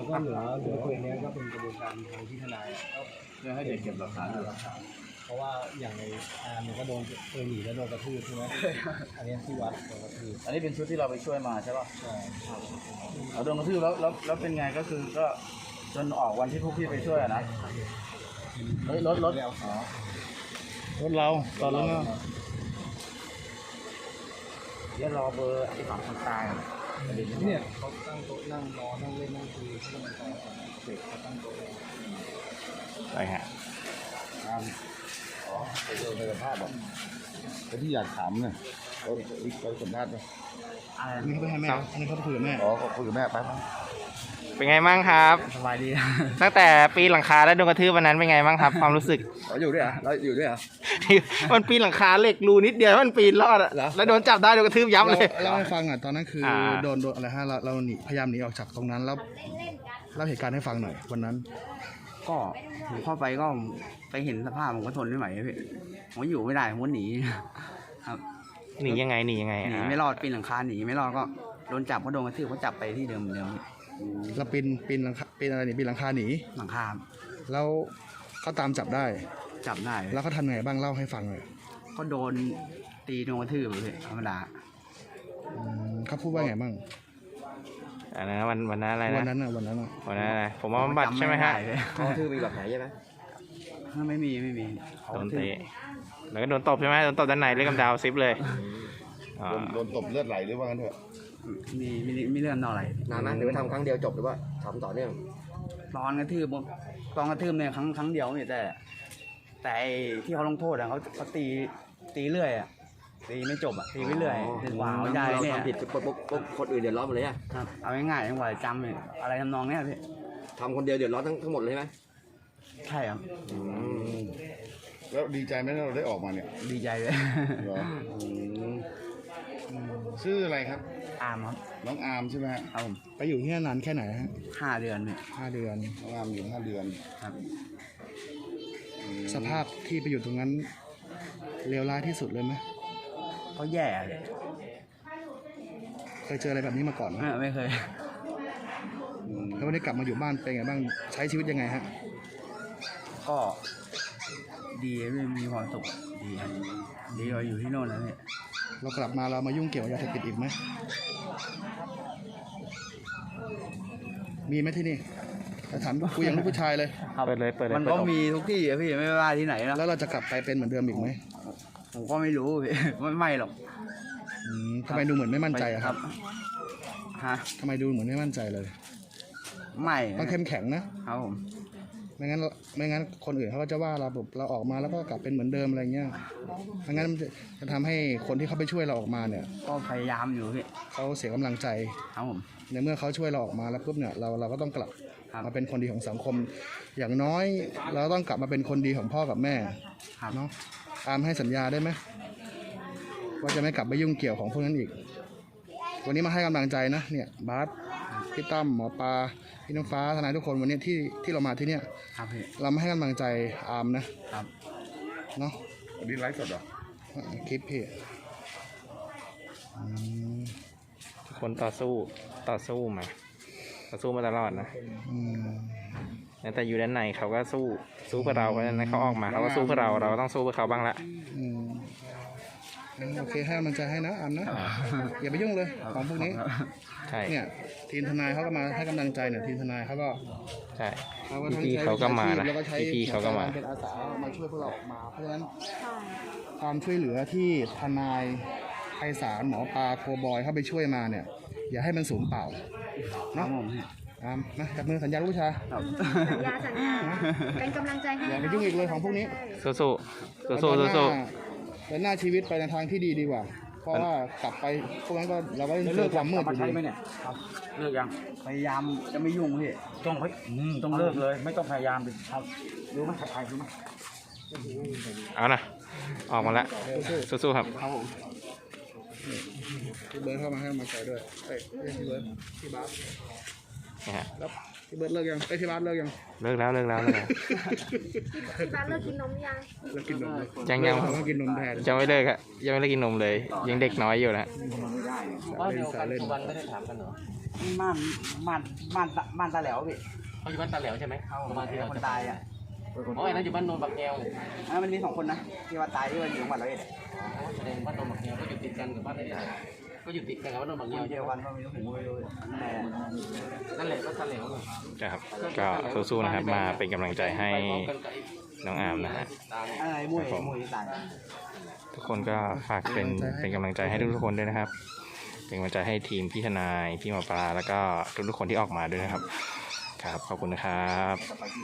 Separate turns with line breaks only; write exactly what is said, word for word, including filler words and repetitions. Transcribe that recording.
แล้วก็เหลือเหลือตัวนี้ก็เป็นกระบวนการทางที่ทนายก็เพื่อให้เด็กเก็บหลักฐานหลักฐานเพราะว่าอย่างในอาร์มเนี่ยก็โดนเออหนีแล้วโดนกระทืบใช่ไหมอันนี้ที่วัดโดนกระทืบ
อันนี้เป็นชุดที่เราไปช่วยมาใช่ป่ะ
ใช่
เราโดนกระทืบแล้วแล้วแล้วเป็นไงก็คือก็จนออกวันที่พวกพี่ไปช่วยอะนะเฮ้ยรถรถอ๋อ
รถเราตอนนั้น
เดี๋ยวรอเบอร์ไอ้ฝั่งคนตาย
เนี่ยเขาตั้งโต๊ะนั่งรอนั่งเล่นนั่งคุยที่มันต่อเด็กเขาตั้งโต๊ะ
ไปฮะ
อ๋อไปดูไปสัมภาษณ์บอก
แต่ที่อยากถามเนี่ยเขาเขาสัมภาษณ์ไหม
อันนี้เขาไปให้แม่อันนี้เขาไปคุยกับแม่
อ๋อเขาคุยกับแม่ไปไป
เป็นไงบ้างครับ
สบายดี
ตั้งแต่ปีหลังคาแล้วโดนกระทืบวันนั้นเป็นไงบ้างครับความรู้สึก
เราอยู่ด้วยอ่ะเราอยู่ด้วยอ่ะ
มันปีนหลังคาเหล็กรูนิดเดียวมันปีนรอดอ่ะแล้วโดนจับได้โดนกระทืบยับเลย
เล่าให้ฟังอ่ะตอนนั้นคือโดนโดนอะไรฮะเราเราหนีพยายามหนีออกจากตรงนั้นแล้วเล่าเหตุการณ์ให้ฟังหน่อยวันนั้น
ก็ผมเข้าไปก็ไปเห็นสภาพผมก็ทนไม่ไหวพี่ผมอยู่ไม่ได้ผมก็หนีครับ
หนียังไงหนียังไง
หนีไม่รอดปีนหลังคาหนีไม่รอดก็โดนจับก็โดนกระทืบก็จับไปที่เดิมเดิม
เราปีนปีนหลังคาปีนอะไรหนีปีนหลังคาหนี
หลังคา
แล้วเขาตามจับได้
จับได้
แล้วเขาทำไงบ้างเล่าให้ฟังเลย
ก็โดนตีโดนกระทืบเลยธรรมดา
เขาพูดว่าไงบ้าง
อันนั้นวันวันนั้นอะไรนะ
วันนั้นอ่ะวันนั้นอ่ะ
วันนั้นอะไรผมว่าบำบัดใช่ไหมฮะ
เขาทื่อมีแบบไหนใช่ไหม
ไม่มีไม่มี
โดนเตะแล้วก็โดนตบใช่ไหมโดนตบด้านในเลือดกำเดาซิปเลย
โดนตบเลือดไหลหรือว่างั้นเถอะ
มีมีมีเรื่องนอกอะไร
นานไหมหรือว่าทำครั้งเดียวจบหรือว่าทำต่อเนื่อง
ตอนกระทืบตอนกระทืบเนี่ยครั้งครั้งเดียวเนี่ยแต่แต่ที่เขาลงโทษอ่ะเขาเขาตีตีเรื่อยอ่ะตีไม่จบอ่ะตีไปเรื่อยถึงกว่าเขาใหญ่เนี่ย
ทำผิดปุ๊บปุ๊บปุ๊บคนอื่นเดือดร้อนหมดเลยอ่ะ
ครับเอาง่ายๆจังหวะจำเนี่ยอะไรทำนองเนี้ยพี่
ทำคนเดียวเดือดร้อนทั้งทั้งหมดเลยไหม
ใช่ครับ
แล้วดีใจไหมที่เราได้ออกมาเนี่ย
ดีใจเลย
ชื่ออะไรครับ
อาร์มครับ
น้องอาร์มใช่ไหมฮะ
เอาผม
ไปอยู่ที่นั่นนานแค่ไหนฮะ
ห้าเดือนเนี่ย
ห้าเดือน
น้องอาร์มอยู่ห้าเดือน
ครับ
สภาพที่ไปอยู่ตรงนั้นเลวร้ายที่สุดเลยไหม
ก็แย่เลย
เคยเจออะไรแบบนี้มาก่อนไหม
ไม่เคย
แล้ววันนี้กลับมาอยู่บ้านเป็นไงบ้างใช้ชีวิตยังไงฮะ
ก็ดีไม่มีความสุขดีดีกว่าอยู่ที่โน่นนะเนี่ย
เรากลับมาเรามายุ่งเกี่ยวกับยาเสพติดอีกไหมมีไหมที่นี่แต่ถามกูยังลูกผู้ชายเลย
เปิดเลยเปิดเลย
มันก็มีทุกที่อะพี่ไม่ว่าที่ไหนนะ
แล้วเราจะกลับไปเป็นเหมือนเดิมอีกไหม
ผมก็ไม่รู้พี่ไม่ไม่หรอก
ทำไมดูเหมือนไม่มั่นใจอะครับ
ฮะ
ทำไมดูเหมือนไม่มั่นใจเลย
ไม่
ต้องเข้มแข็งนะครับ
ผม
ไม่งั้นไม่งั้นคนอื่นเขาก็จะว่าเราแบบเราออกมาแล้วก็กลับเป็นเหมือนเดิมอะไรเงี้ยไม่งั้นจะทำให้คนที่เขาไปช่วยเราออกมาเนี่ย
ก็พยายามอยู่พี่
เขาเสียกำลังใจ
ครับผม
ในเมื่อเขาช่วยเราออกมาแล้วปุ๊บเนี่ยเราเราก็ต้องกลับมาเป็นคนดีของสังคมอย่างน้อยเราต้องกลับมาเป็นคนดีของพ่อกับแม่เนาะตามให้สัญญาได้ไหมว่าจะไม่กลับไปยุ่งเกี่ยวของพวกนั้นอีกวันนี้มาให้กำลังใจนะเนี่ยบาสพี่ตั้มหมอปลาพี่น้ำฟ้าทนายทุกคนวันนี้ที่ที่เรามาที่เนี่ยเรามาให้กำลังใจอาร์มนะครับเนาะ
วันนี้ไลฟ์สดเหรอ
คลิปพี่
ทุกคนต่อสู้ต่อสู้มาต่อสู้มาตลอดนะแต่อยู่ด้านในเขาก็สู้สู้เพื่อเราเพราะฉะนั้นเขาออกมาเขาก็สู้เพื่อเราเราต้องสู้เพื่อเขาบ้างละ
โอเคให้มันจะให้นะอันนะอย่าไปยุ่งเลยของพวกนี้
ใช่
เนี่ยทีมทนายเขาก็มาให้กำลังใจเนี่ยทีมทนายเขาก็
ใช่พี่เขาก็มานะพี่เขาก็มา
เป็นอาสามาช่วยพวกเราออกมาเพราะฉะนั้นความช่วยเหลือที่ทนายไพศาลหมอปลาโคบอยเข้าไปช่วยมาเนี่ยอย่าให้มันสูญเปล่าเนาะอ่ามาจับมือสัญญาลูกผู้ชาย
สัญญาสัญญาเป็นกำลังใจให้
อย่าไปยุ่งอีกเลยของพวกนี้
สู้สู้สู้สู้สู้
เดินหน้าชีวิตไปในทางที่ดีดีกว่าเพราะว่ากลับไปพวกนั้นก็เราก็เลิกความมืดอยู่ดี
ไหมเนี่ยเลิกยังพยายามจะไม่ยุ่งพี่ต้องเฮ้ยต้องเลิกเลยไม่ต้องพยายามเลยครับรู้ไหมใครรู้ไหม
เอานะออกมาแล้วสู้ๆครับ
ครับผมพี่เบิร์ดเข้ามาให้มาใจด้วยเฮ้ยพี่เบิร์ดพี่บาสแล้วพี่เบิร์ดเลิกยังไอ้ยพี่บาสเลิกยัง
เลิกแล้วเลิกแล้วเลิกแล้ว
ที่บ้านเลิกกินนมหรือยัง
เลิกกินนมเลย
ยังยัง
เราต้องกินนมแทน
ยังไม่เลิกอะยังไม่เลิกกินนมเลย ยังเด็กน้อยอยู่นะ
บ้านเดียวกันทุกวันไม่ได้
บ้านบ้านบ้านบ้านตาแหลวพี่
เขาอยู่บ้านตาแหลวใช่ไหม
เขา
บ้านที่เรา
คน
จะ
ตายอ่ะ
อ๋อไอ้นั่นอยู่บ้านโนนบักแก้ว
อ่ะมันมีสองคนนะที่ว่าตายที่ว่าอยู่จังหวัดร้อยเอ็ดอะ
อ๋อแสดงบ้านโนนบักแก้วก็อยู่ติดกันกับบ้านไอ้นี่ก็อยู่ติดกันกับบ้านโนนบัก
ค
แก้วน
เดียวกันก็ไม่รู้ผมไม่รู้แต่
นั่นแหละบ้านตาแหลว
นะครับ ก็สู้ๆนะครับ มาเป็นกำลังใจให้น้องอาร์มนะฮะ
อะไรมวยมวยตาย
ทุกคนก็ฝากเป็นเป็นกำลังใจให้ทุกๆคนด้วยนะครับ เป็นกำลังใจให้ทีมพี่ทนายพี่หมอปลาแล้วก็ทุกๆคนที่ออกมาด้วยนะครับ ครับ ขอบคุณนะครับ